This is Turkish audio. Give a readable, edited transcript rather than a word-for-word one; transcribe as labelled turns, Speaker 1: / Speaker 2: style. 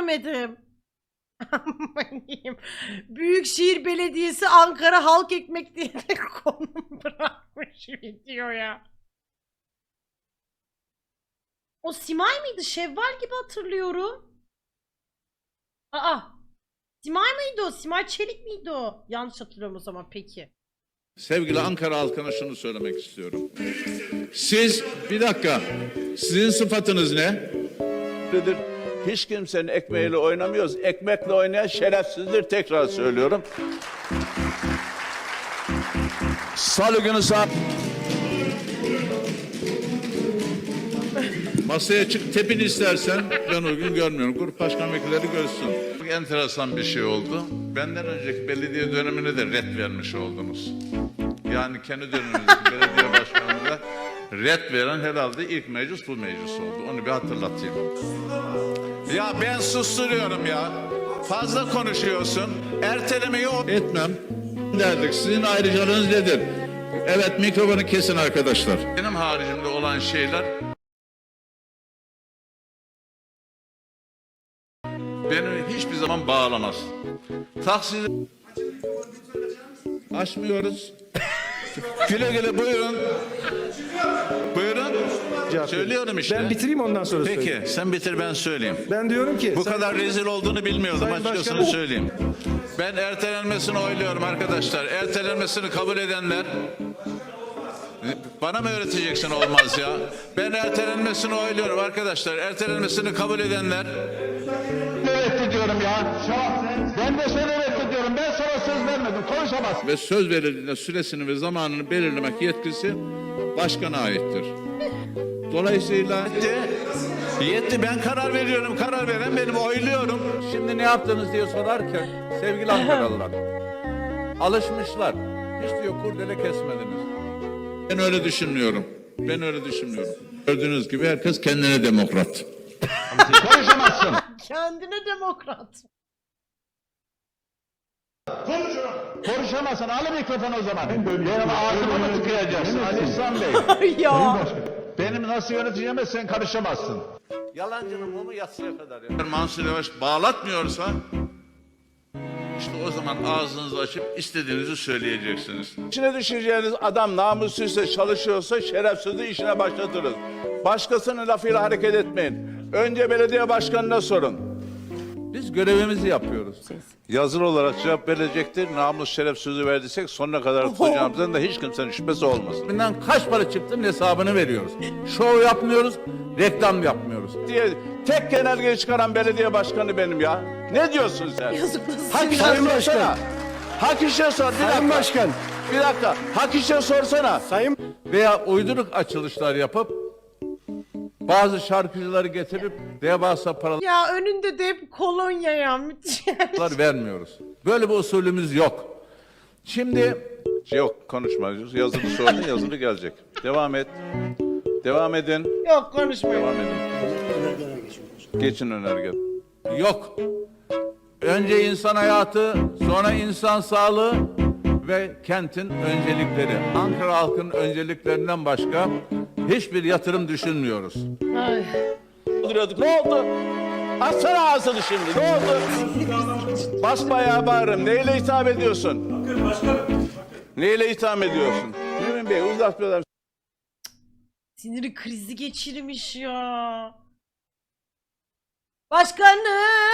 Speaker 1: görmedim. Amanıyım. Büyükşehir Belediyesi Ankara Halk Ekmek diye de konum bırakmış videoya. O Simay mıydı? Şevval gibi hatırlıyorum. Aa. Simay mıydı o? Simay Çelik miydi o? Yanlış hatırlıyorum o zaman peki.
Speaker 2: Sevgili Ankara halkına şunu söylemek istiyorum. Siz, bir dakika, sizin sıfatınız ne?
Speaker 3: Hiç kimsenin ekmeğiyle oynamıyoruz. Ekmekle oynayan şerefsizdir, tekrar söylüyorum. Salı günü saat...
Speaker 2: Masaya çık, tepin istersen, ben o gün görmüyorum. Grup başkan vekilleri görsün. Çok enteresan bir şey oldu. Benden önceki belediye dönemine de ret vermiş oldunuz. Yani kendi döneminizdeki belediye başkanlığında ret veren herhalde ilk meclis bu meclis oldu. Onu bir hatırlatayım. Ya ben susturuyorum ya. Fazla konuşuyorsun. Ertelemeyi Etmem derdik. Sizin ayrıcalığınız nedir? Evet, mikrofonu kesin arkadaşlar. Benim haricimde olan şeyler beni hiçbir zaman bağlamaz. Taksici açmıyoruz. Güle güle buyurun. Buyurun. Söylüyorum işte.
Speaker 4: Ben bitireyim ondan sonra
Speaker 2: Peki
Speaker 4: söyleyeyim.
Speaker 2: sen bitir ben söyleyeyim.
Speaker 4: Ben diyorum ki...
Speaker 2: Bu kadar rezil olduğunu bilmiyordum,
Speaker 4: Sayın
Speaker 2: açıkçası
Speaker 4: Başkanım.
Speaker 2: söyleyeyim. Ben ertelenmesini oyluyorum arkadaşlar. Ertelenmesini kabul edenler... Bana mı öğreteceksin olmaz ya? Ben ertelenmesini oyluyorum arkadaşlar. Ertelenmesini kabul edenler...
Speaker 3: Evet diyorum ya. Ben de seni reddediyorum. Ben sana söz vermedim. Konuşamazsın.
Speaker 2: Ve söz verildiğinde süresini ve zamanını belirlemek yetkisi başkana aittir. Dolayısıyla...
Speaker 3: Yetti, ben karar veriyorum. Karar veren benim, oyluyorum.
Speaker 2: Şimdi ne yaptınız diye sorarken sevgili Ankaralılar alışmışlar. Hiç diyor kurdele kesmediniz. Ben öyle düşünmüyorum. Ben öyle düşünmüyorum. Gördüğünüz gibi herkes kendine demokrat.
Speaker 3: Konuşamazsın.
Speaker 1: Kendine demokrat.
Speaker 3: Konuşamazsın. Al mikrofonu o zaman. Benim ağzıma mı tıkayacaksın Ali İhsan Bey?
Speaker 1: Ya.
Speaker 3: Benim nasıl yöneteceğime sen karışamazsın. Yalancının mumu yatsıya kadar ya.
Speaker 2: Mansur Yavaş bağlatmıyorsa işte o zaman ağzınızı açıp istediğinizi söyleyeceksiniz.
Speaker 3: İçine düşeceğiniz adam namussuzsa, çalışıyorsa şerefsizliği işine başlatırız. Başkasının lafıyla hareket etmeyin. Önce belediye başkanına sorun.
Speaker 2: Biz görevimizi yapıyoruz.
Speaker 3: Yazılı olarak cevap verecektir. Namus şeref sözü verdiysek sonuna kadar tutacağımızdan da hiç kimsenin şüphesi olmasın.
Speaker 2: Bundan kaç para çıktığının hesabını veriyoruz. Şov yapmıyoruz, reklam yapmıyoruz.
Speaker 3: Diye tek genelgeyi çıkaran belediye başkanı benim ya. Ne diyorsun sen?
Speaker 1: Yazıklar
Speaker 3: Hak işe
Speaker 4: Sayın
Speaker 3: sorsana.
Speaker 4: Başkan.
Speaker 3: Hak işe sor. Bir
Speaker 4: Sayın
Speaker 3: dakika.
Speaker 4: Başkan.
Speaker 3: Bir dakika. Hak işe sorsana.
Speaker 4: Sayın...
Speaker 2: Veya uyduruk açılışlar yapıp bazı şarkıcıları getirip devasa paralar
Speaker 1: Ya önünde de hep kolonya ya. Müthiş.
Speaker 2: vermiyoruz. Böyle bir usulümüz yok. Şimdi
Speaker 3: Yok, konuşma. Yazılı sordun, yazılı gelecek. Devam et. Devam edin.
Speaker 1: Yok konuşmayın.
Speaker 3: Devam edin. Geçin önerge.
Speaker 2: yok. Önce insan hayatı, sonra insan sağlığı ve kentin öncelikleri. Ankara halkının önceliklerinden başka hiçbir yatırım düşünmüyoruz.
Speaker 1: Ay.
Speaker 3: Duruyorduk. Ne oldu? Açsana ağzını şimdi. Ne oldu? Basbayağı bağırırım. Neyle hitap ediyorsun? Neyle hitap ediyorsun? Mümin Bey uzatmıyorlar.
Speaker 1: Siniri krizi geçirmiş ya. Başkanım.